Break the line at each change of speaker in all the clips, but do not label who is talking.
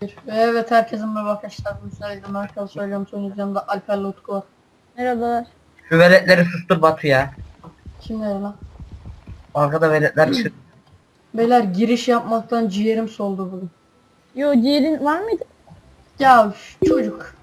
Evet, herkesin merhaba arkadaşlar. Bu sayede Merkel söylüyorum. Son yanımda Alper'le Utku var.
Merhabalar.
Şu veletleri sustur Batu ya.
Kimler lan?
Arkada veletler çık.
Beyler, giriş yapmaktan ciğerim soldu bugün.
Yo, ciğerin var mıydı?
Ya çocuk.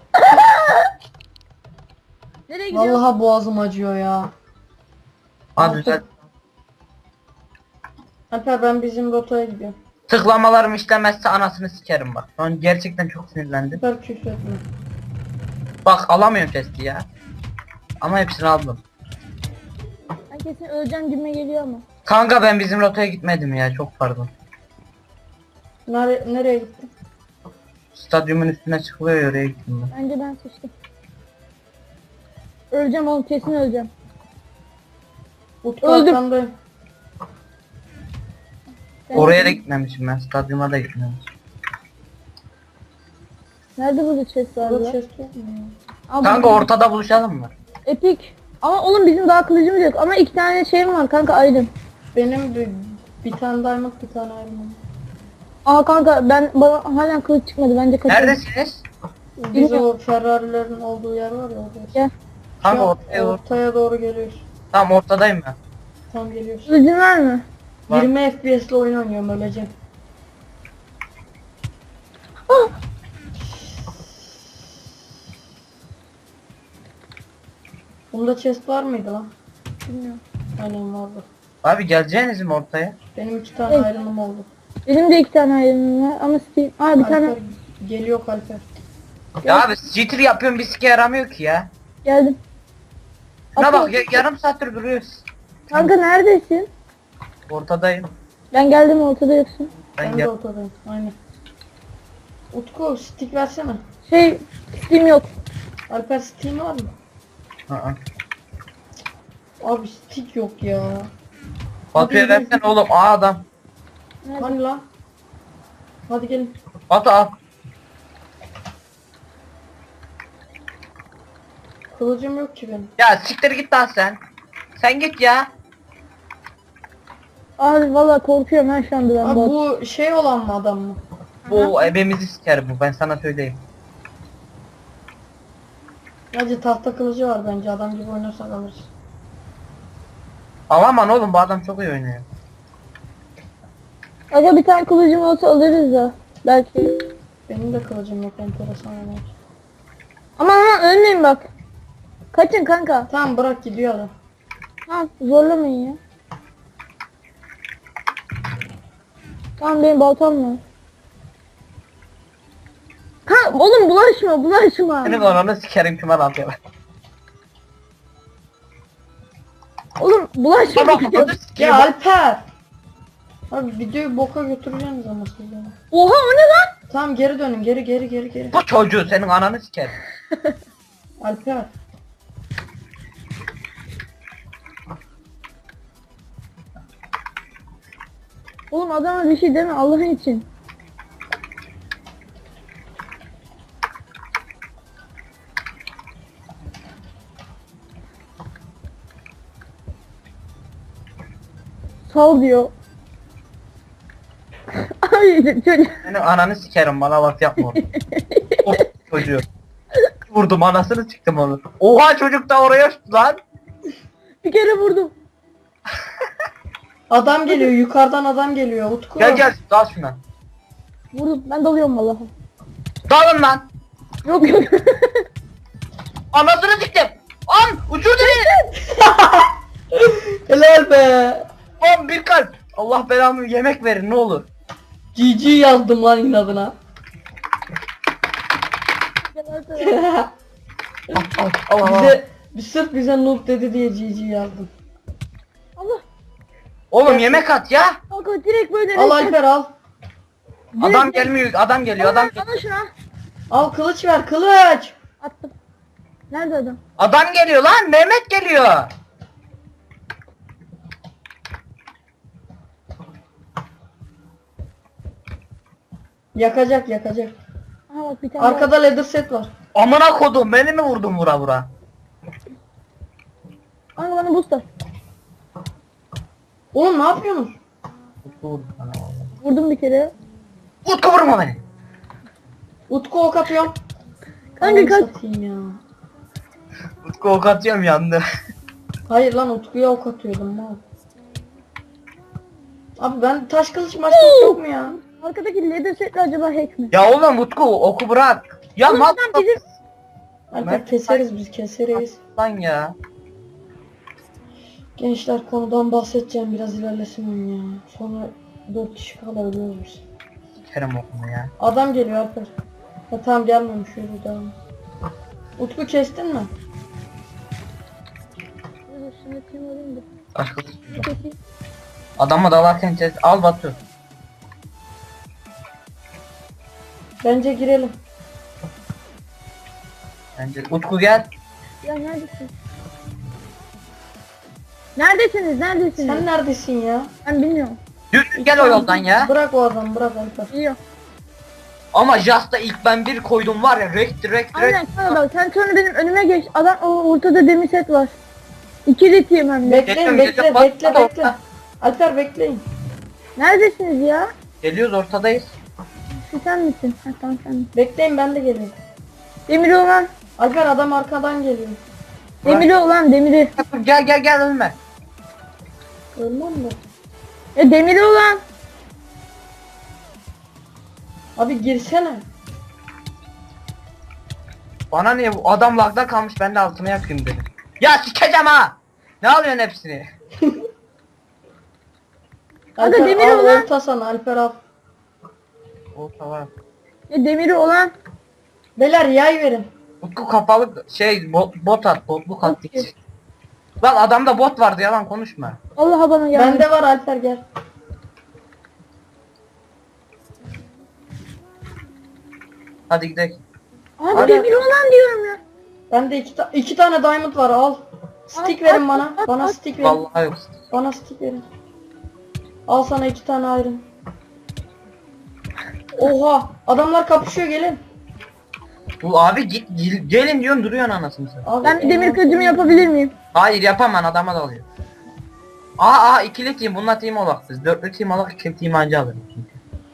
Nereye gidiyorsun?
Vallahi boğazım acıyor ya.
Ha düzelt.
Alper, ben bizim rotaya gidiyorum.
Tıklamalarım işlemezse anasını sikerim bak. Şu an gerçekten çok sinirlendim.
Süper küfür etme.
Bak alamıyorum testi ya. Ama hepsini aldım.
Ben kesin öleceğim gibime geliyor ama.
Kanka ben bizim rotaya gitmedim ya, çok pardon.
Nereye gittin?
Stadyumun üstüne çıkılıyor ya, oraya gittim ben.
Bence ben sıçtım. Öleceğim oğlum, kesin öleceğim.
Utku
Öldüm.
arkandayım.
Oraya da gitmemişim ben, stadyuma da gitmemişim.
Nerede burada chest var
Burada
ya?
chest yok mu ya?
Aa,
Kanka
burada-
ortada buluşalım mı?
Epik. Ama oğlum bizim daha kılıcımız yok. Ama 2 tane şeyim var kanka, aydın.
Benim bir tane diamond, bir tane iron.
Aa kanka, bana hala kılıç çıkmadı, bence kaçırdım.
Neredesiniz?
Biz o Ferrari'lerin olduğu yer var ya orada.
Gel.
Kanka
Şu an
ortaya doğru.
ortaya doğru geliyoruz.
Tam ortadayım ben.
Tam geliyoruz.
Kılıcın var mı?
Var.
20 FPS'le oyun oynuyorum, öleceğim.
Ah!
Bunda chest var mıydı lan?
Bilmiyorum.
Aynen vardı.
Abi geleceğiniz mi ortaya?
Benim 2 tane
Evet.
iron'um oldu.
Benim de 2 tane aydınım var ama Steam. Aa, bir tane
Alper geliyor, Alper.
Ya abi jitter yapıyorum, bir sike yaramıyor ki ya.
geldim.
Şuna
Atla.
bak ya, yarım saattir duruyoruz.
Kanka neredesin?
Ortadayım.
Ben geldim, ortada yoksun.
Ben
Ben
gel.
de ortadayım. Aynen. Utku, stick versene.
Şey, Steam yok.
Alper, Steam var mı?
Aa.
Abi stick yok ya.
Batu'ya
Hadi
versene oğlum, adam.
Nerede?
Hani lan? Hadi gelin.
Batu al.
Kılıcım yok ki benim.
Ya siktir git lan sen. Sen git ya.
Abi valla korkuyorum ben şu anda ben
Abi
bu.
bu şey olan mı, adam mı?
Bu ebemizi siker bu, ben sana söyleyeyim.
Hacı, tahta kılıcı var bence, adam gibi oynarsak alırız.
Alaman oğlum, bu adam çok iyi oynuyor.
Aga bir tane kılıcım olsa alırız da. Belki.
Benim de kılıcım yok, enteresan oynar.
Aman ölmeyin bak. Kaçın kanka.
Tamam, bırak, gidiyor adam.
Ha, zorlamayın ya. Tamam, benim baltam var. Ha oğlum, bulaşma.
Senin ananı sikerim, kime atıyor.
Oğlum bulaşma.
Ama ananı sikeyim.
Ya Alper! Abi videoyu boka götüreceksiniz ama siz beni.
Oha, o ne lan?
Tamam, geri dönün, geri.
Bu çocuğu senin ananı sikerim.
Alper.
Oğlum adama bir şey deme Allah'ın için. Sal diyor. Ay çocuk.
Senin ananı sikerim, bana bak yapma onu. O çocuğu. Vurdum, anasını çıktım onu. Oha, çocuk da oraya uçtu lan.
Bir kere vurdum.
Adam geliyor, yukarıdan adam geliyor, Utku.
Gel dal şuna.
Vurdum. Ben dalıyorum vallahi.
Dalın lan.
Yok yok.
Anasını siktim. An uçurdu beni.
Helal be.
An bir kalp. Allah belamı, yemek verin ne olur.
GG yazdım lan inadına.
Allah.
Sırf bize noob dedi diye GG yazdım.
Allah.
Oğlum yemek at ya.
Kanka direkt böyle.
Al Alper, al.
Adam gelmiyor, adam geliyor, adam geliyor.
Bana şuna.
Al, kılıç ver, kılıç.
Attım. Nerede adam?
Adam geliyor lan, Mehmet geliyor.
Yakacak.
Aha bak bir tane.
Arkada leather set var.
Amına kodum, beni mi vurdun vura?
Kanka bana boost at.
Oğlum ne yapıyorsunuz?
Vurdum bir kere.
Utku vurma beni.
Utku ok atıyorum.
Kanka
Ananı
kaç.
satayım ya.
Utku ok atıyorum yandı.
Hayır lan Utku'ya ok atıyordum mal. Abi ben taş kılıç maç kılıç yok mu ya?
Arkadaki leather setli acaba hack mi?
Ya oğlum Utku oku bırak. Ya
Oğlum
mal
adam bizim-
Alper keseriz biz keseriz.
lan ya.
Gençler konudan bahsedeceğim biraz ilerlesin oyun ya. Sonra 4 kişi kalabiliyoruz biz.
Kerem okunu ya.
Adam geliyor Alper. Ha tamam gelmemiş yürü devam. Utku kestin mi?
Dur, şunu kim alayım da.
Başka
Keseyim.
adama dalarken kes. Al Batu.
Bence girelim.
Bence Utku gel.
Ya neredesin? Neredesiniz? Neredesiniz?
Sen neredesin ya?
Ben bilmiyorum.
Düz gel o yoldan ya.
Bırak o adamı bırak Alper.
Biliyorum.
Ama Just'ta ilk ben bir koydum var ya direkt.
Aynen kanka bak sen sonra benim önüme geç. Adam o ortada demir set var. İki ritiyim hem de.
Bekleyin bekle
Bak,
bekle
bak,
bekle.
bak.
Alper bekleyin.
Neredesiniz ya?
Geliyoruz ortadayız.
Şu sen misin? Ha tamam sen misin?
Bekleyin ben de geleyim.
Demiri olan.
Alper adam arkadan geliyor.
Demiri olan demiri.
Gel ölme.
Ölmem mi?
Ya demiri olan.
Abi girsene.
Bana niye bu adam lagda kalmış ben de altına yakayım dedim. Ya sikeceğim ha. Ne alıyorsun hepsini?
Alper
demir
al
olan-
orta sana Alper al.
O tamam.
Ya demiri olan.
Beyler yay verin.
Utku kapalı bot at botluk at.
Okey.
Lan adamda bot vardı yalan konuşma.
Allah'a bana geldi.
Bende var Alper gel.
Hadi gidelim.
Abi
Hadi.
demiri olan diyorum ya.
Bende iki tane diamond var al. Stick
At,
verin
at,
bana.
at,
Bana
at.
stick verin.
Vallahi yok.
Bana stick verin. Al sana 2 tane iron. Oha adamlar kapışıyor gelin.
Bu abi gelin diyorsun duruyorsun anasını sen.
Abi,
Ben bir demir kılıcımı yapabilir miyim?
Hayır yapamam adama da alıyor. Aa ikili team bununla team olak siz. Dörtlü team olak iki team anca alırım çünkü.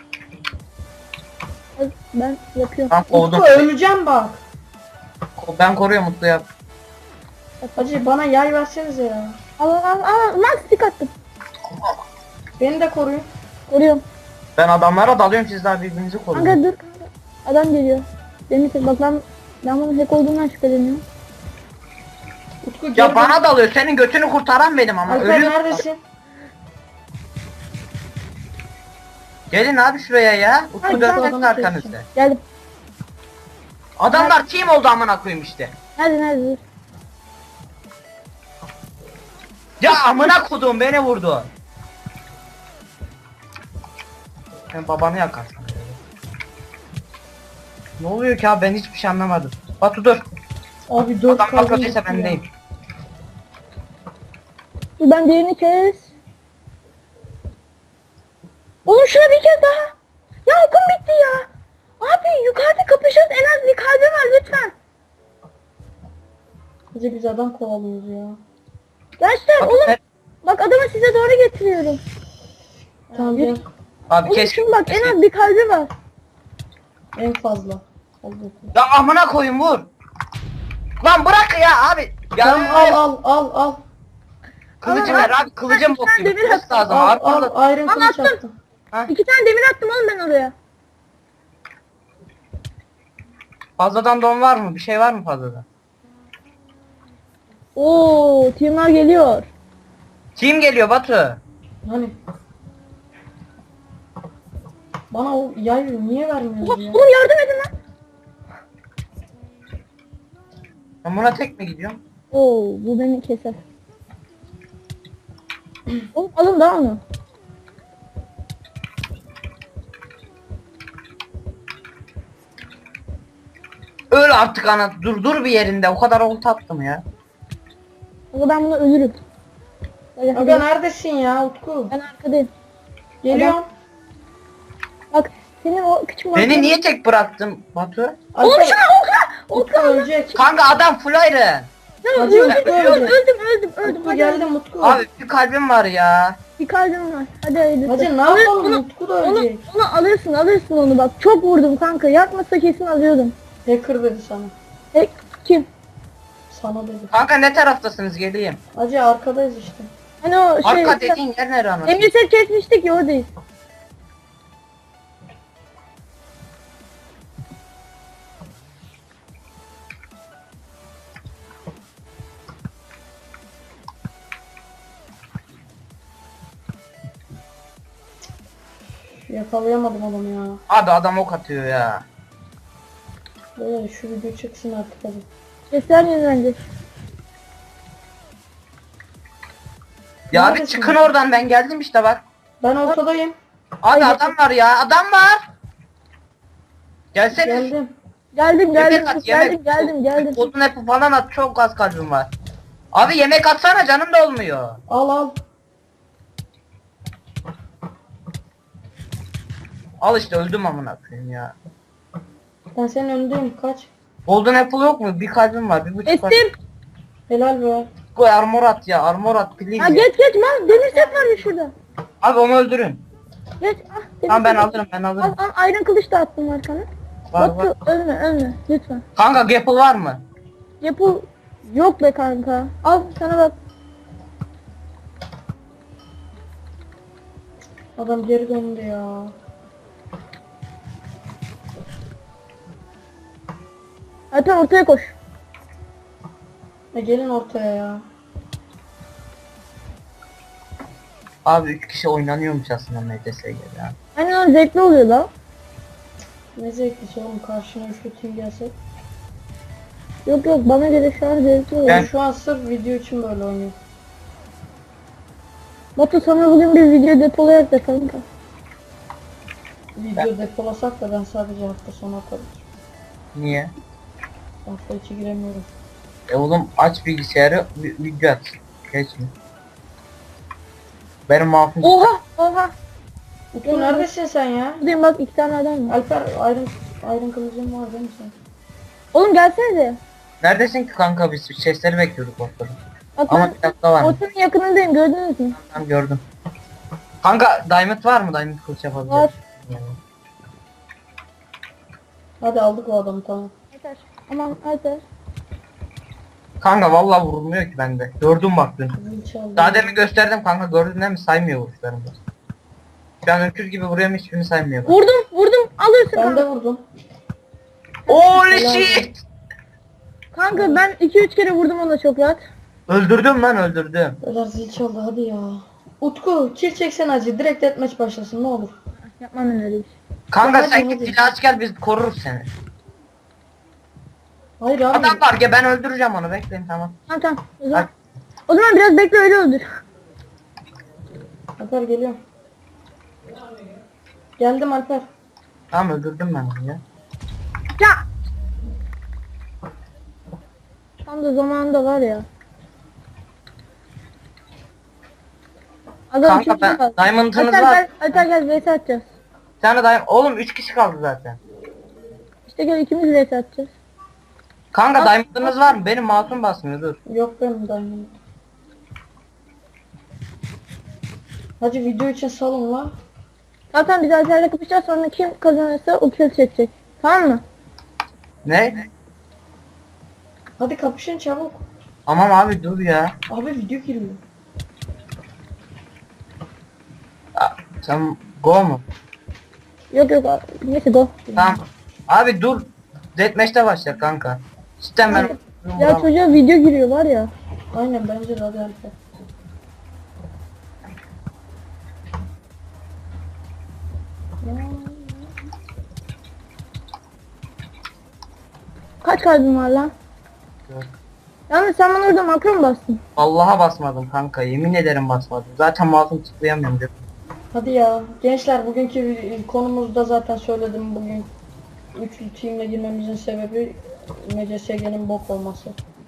Ben yapıyorum.
Tam kovdum.
Utku öleceğim bak.
Ben koruyorum Mutlu yap.
Hacı bana yay versenize ya.
Al lan stick attım.
Beni de koruyun.
Koruyorum.
Ben adamlara dalıyorum siz daha birbirinizi koruyun.
Kanka dur kanka. Adam geliyor. Demir set bak ben bunun hack olduğundan şüpheleniyorum.
Utku
Ya
gel.
bana dalıyor senin götünü kurtaran benim ama
Alper
ölüyorum.
neredesin?
Gelin abi şuraya ya.
Ay,
Utku
tamam,
dönmesin
tamam,
arkanızda.
Geldim.
Adamlar team oldu amına koyayım işte.
Nerede dur.
Ya amına kodum beni vurdu. Sen babanı yakarsın. Ne oluyor ki abi ben hiçbir şey anlamadım. Batu dur.
Abi 4
Adam
kaldı.
kalkacaksa ben deyim.
Dur ben diğerini kes. Oğlum şuna bir kez daha. Ya okum bitti ya. Abi yukarıda kapışıyoruz en az bir kalbi var lütfen.
Hacı biz adam kovalıyoruz ya.
Gençler
Abi,
oğlum bak adamı size doğru getiriyorum.
Tamam gel.
abi
Oğlum
keşke.
şimdi bak en az bir kalbi var.
En fazla. Hadi bakalım.
Ya amına koyayım vur. Lan bırak ya abi. Ya
Tamam al.
Kılıcı
Al,
ver
al.
abi kılıcım bok gibi.
Demir
Kılıç
attım.
lazım
Al
abi.
al iron
Al,
kılıç
attım.
attım.
2 tane demir attım oğlum ben oraya.
Fazladan don var mı? Bir şey var mı fazladan?
Oo teamler geliyor.
Kim geliyor Batu?
Hani? Bana o yay niye
Oha,
vermiyorsun ya?
oğlum yardım edin lan.
Ben buna tek mi gidiyorum?
Oo bu beni keser. Oğlum alın daha onu.
Öl artık ana. Dur bir yerinde. O kadar olta attım ya.
Ama ben buna ölürüm. Hadi,
Aga
hadi.
neredesin ya Utku?
Ben arkadayım.
Geliyorum.
Bak senin o küçük
Beni niye tek bıraktın Batu?
Oğlum
Alper,
şuna okla!
Utku
Okla!
ölecek.
Kanka adam full iron.
Ya
Hacı,
öldüm,
Utku
öldüm,
öldü.
öldüm.
Utku
Hadi,
geldim Utku.
Abi bir kalbim var ya.
bir kalbim var. Hadi haydi.
Hacı ne yapalım, Utku da
Onu,
ölecek.
onu alırsın onu bak. Çok vurdum kanka. Yakmasa kesin alıyordum.
Hacker dedi sana.
Kim?
Sana dedi.
Kanka ne taraftasınız, geleyim.
Hacı arkadayız işte.
Hani o şey...
Arka dediğin yer nere anasını?
Emir set kesmiştik ya oradayız.
Yakalayamadım adamı ya.
Abi adam ok atıyor ya.
Böyle şu video çıksın artık hadi.
Sesler yenilenecek.
Ya abi
Neredesin?
çıkın oradan, ben geldim işte bak.
Ben ortadayım.
Abi adam var ya, adam var. Gelsene.
Geldim.
Geldim
Yemek at, yemek.
geldim.
Odun hep falan at, çok az kalbim var. Abi yemek atsana, canım da olmuyor.
Al al.
Al işte, öldüm amına koyayım ya.
Ben senin önündeyim. Kaç.
Golden apple yok mu? Bir kalbim var, bir buçuk var.
Estim.
Helal be.
Koy armor at ya, armor at please.
Ha geç mal. Demir set var ya şurada.
Abi onu öldürün.
Geç. Ah, demir
Tamam ben
set.
alırım, ben alırım.
Al iron kılıç da attım arkana.
Var,
Batu ölme lütfen.
Kanka gapple var mı?
Yapı yok be kanka. Al sana bak.
Adam geri döndü ya.
Hatta ortaya koş.
Gelin ortaya ya.
Abi 3 kişi oynanıyormuş aslında MDS'ye ya.
Aynen o zevkli oluyor la.
Ne zevklisi oğlum, karşına üçlü team gelse.
Yok bana göre şu an zevkli oluyor.
Ben-
Şu an sırf video için böyle oynuyor.
Batu sana bugün bir video depolayak da kanka.
Video depolasak da ben sadece hafta sonu atarım.
Niye?
Hafta içi giremiyorum.
Oğlum aç bilgisayarı, video at. Geç mi? Benim mouse'um...
Oha.
Utku neredesin sen ya?
Buradayım bak 2 tane adam var.
Alper Iron kılıcın var değil mi sen?
Oğlum gelsene.
Neredesin ki kanka, biz sesleri bekliyorduk ortada.
Bak
Ama
ben
bir dakika var mı?
ortanın yakınındayım gördünüz mü?
Tamam gördüm. Kanka diamond var mı? Diamond kılıç yapabiliriz.
Var.
Yani.
Hadi aldık o adamı, tamam.
Yeter. Aman yeter.
Kanka vallahi vurulmuyor ki bende. Gördüm bak dün.
Zil çaldı.
Daha demin gösterdim kanka, gördün değil mi? Saymıyor vuruşlarımı. Şu an öküz gibi vuruyorum, hiçbirini saymıyor. Bak.
Vurdum alırsın
Ben
kanka.
de vurdum.
Holy shit!
Kanka ben 2-3 kere vurdum ona çok rahat.
Öldürdüm lan, öldürdüm.
Beyler zil çaldı hadi ya. Utku kill çeksen acı, direkt deathmatch başlasın ne olur.
Yapmam ben öyle bir şey.
Kanka
Hadi,
sen
hadi.
git silah aç gel, biz koruruz seni.
Hayır abi.
Adam var ya, ben öldüreceğim onu, bekleyin tamam.
Tamam. O zaman biraz bekle öyle öldür.
Alper geliyor. Geldim Alper.
Tamam öldürdüm ben onu ya.
Ya. Tam da zamanında var ya. Adam
Kanka
üçüncü
ben
kaldı.
diamond'ınız
Alper
var.
gel vs atacağız.
Bir tane diamond. Oğlum 3 kişi kaldı zaten.
İşte gel ikimiz vs atacağız.
Kanka diamond'ınız var mı? Benim mouse'um basmıyor, dur.
Yok benim diamond. Hacı video için salın la.
Zaten biz Alper'le kapışacağız sonra kim kazanırsa o kill çekecek. Tamam mı?
Ne?
Hadi kapışın çabuk.
Tamam abi dur ya.
Abi video giriyor.
Sen go mu?
Yok neyse go.
Tamam. Abi dur. Deathmatch'te başla kanka. Cidden ben...
Ya çocuğa video giriyor var ya.
Aynen bence de hadi Alper.
Kaç kalbin var lan?
Yok.
Yalnız sen bana orada makro mu bastın?
Allah'a basmadım kanka, yemin ederim basmadım. Zaten mouse'um tıklayamıyorum dedim.
Hadi ya. Gençler bugünkü konumuzda zaten söyledim, bugün üçlü teamle girmemizin sebebi MCSG'nin bok olması.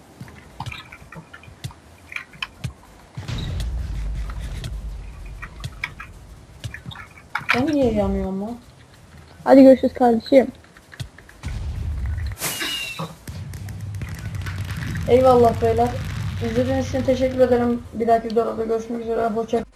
Ben niye yanıyorum lan?
Hadi görüşürüz kardeşim.
Eyvallah beyler. İzlediğiniz için teşekkür ederim. Bir dahaki videoda görüşmek üzere. Hoşça